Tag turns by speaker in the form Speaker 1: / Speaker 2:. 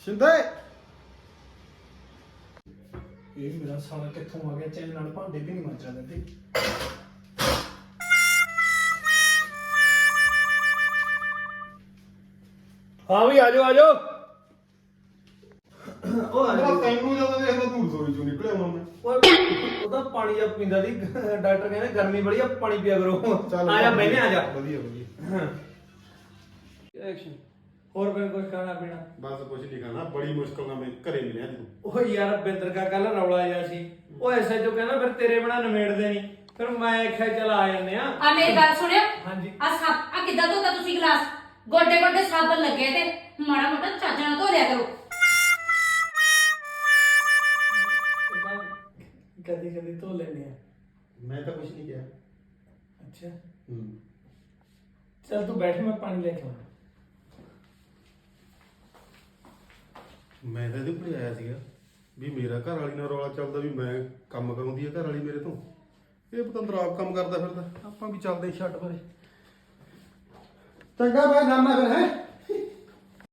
Speaker 1: शिंदे
Speaker 2: ਇਹ ਮੇਰਾ ਸਾਲਾ ਕਿੱਥੋਂ ਆ ਗਿਆ ਚੈਨ ਨਾਲ ਭਾਂਡੇ ਵੀ ਨਹੀਂ ਮਾਂਜਾ ਦਿੰਦੇ। ਹਾਂ ਵੀ ਆਜੋ ਆਜੋ। ਉਹ
Speaker 1: ਤੈਨੂੰ ਜਦੋਂ ਦੇਖਦਾ ਤੂੰ ਰਸੋਈ ਚੋਂ ਨਿਕਲਿਆ ਹੁਣ ਮੈਂ
Speaker 2: ਉਹਦਾ ਪਾਣੀ ਜਾਂ ਪੀਂਦਾ ਸੀ ਡਾਕਟਰ ਕਹਿੰਦੇ ਗਰਮੀ ਬੜੀ ਆ ਪਾਣੀ ਪੀਆ ਕਰੋ। ਆ ਜਾ ਬੈਠੇ ਆ ਜਾ।
Speaker 1: ਵਧੀਆ ਵਧੀਆ
Speaker 2: ਐਕਸ਼ਨ। ਹੋਰ ਕੋਈ ਕੁਝ ਖਾਣਾ ਪੀਣਾ?
Speaker 1: ਬਸ ਕੁਝ ਨਹੀਂ ਖਾਣਾ ਬੜੀ ਮੁਸ਼ਕਲ ਨਾਲ ਮੈਂ ਘਰੇ ਮਿਲਿਆ ਤੂੰ।
Speaker 2: ਉਹ ਯਾਰ ਬਿੰਦਰ ਕਾ ਕੱਲ ਰੌਲਾ ਆਇਆ ਸੀ ਉਹ ਐਸਾ ਜੋ ਕਹਿੰਦਾ ਫਿਰ ਤੇਰੇ ਬਿਨਾ ਨਿਮੇੜਦੇ ਨਹੀਂ ਫਿਰ ਮੈਂ ਆਖਿਆ ਚਲ ਆ ਜਾਂਦੇ ਆ।
Speaker 3: ਆ ਮੇਰੀ ਗੱਲ ਸੁਣਿਓ।
Speaker 2: ਹਾਂਜੀ।
Speaker 3: ਆ ਕਿੱਦਾਂ ਧੋਤਾ ਤੁਸੀਂ ਗਲਾਸ? ਗੋਡੇ ਗੋਡੇ ਸਾਬਣ ਲੱਗੇ ਤੇ ਮਾੜਾ ਮੋਟਾ ਚੱਜ ਨਾਲ ਧੋ ਲਿਆ ਕਰੋ।
Speaker 2: ਕਦੀ ਕਦੀ ਧੋ ਲੈਨੇ ਆ।
Speaker 1: ਮੈਂ ਤਾਂ ਕੁਝ ਨਹੀਂ ਕਿਹਾ।
Speaker 2: ਅੱਛਾ
Speaker 1: ਹੂੰ
Speaker 2: ਚਲ ਤੂੰ ਬੈਠ ਮੈਂ ਪਾਣੀ ਲੈ ਕੇ ਆਉਂਦਾ।
Speaker 1: ਮੈਂ ਤਾਂ ਇਹਦੇ ਉੱਪਰ ਆਇਆ ਸੀਗਾ ਵੀ ਮੇਰਾ ਘਰ ਵਾਲੀ ਨਾਲ ਰੌਲਾ ਚੱਲਦਾ ਵੀ ਮੈਂ ਕੰਮ ਕਰਾਉਂਦੀ ਹੈ ਘਰ ਵਾਲੀ ਮੇਰੇ ਤੋਂ। ਇਹ ਪਤੰਦਰ ਆਪ ਕੰਮ ਕਰਦਾ ਫਿਰਦਾ ਆਪਾਂ ਵੀ ਚੱਲਦੇ ਛੱਡ ਪਰੇ।
Speaker 2: ਚੰਗਾ ਮੈਂ ਜਾਣਾ ਫਿਰ ਹੈ।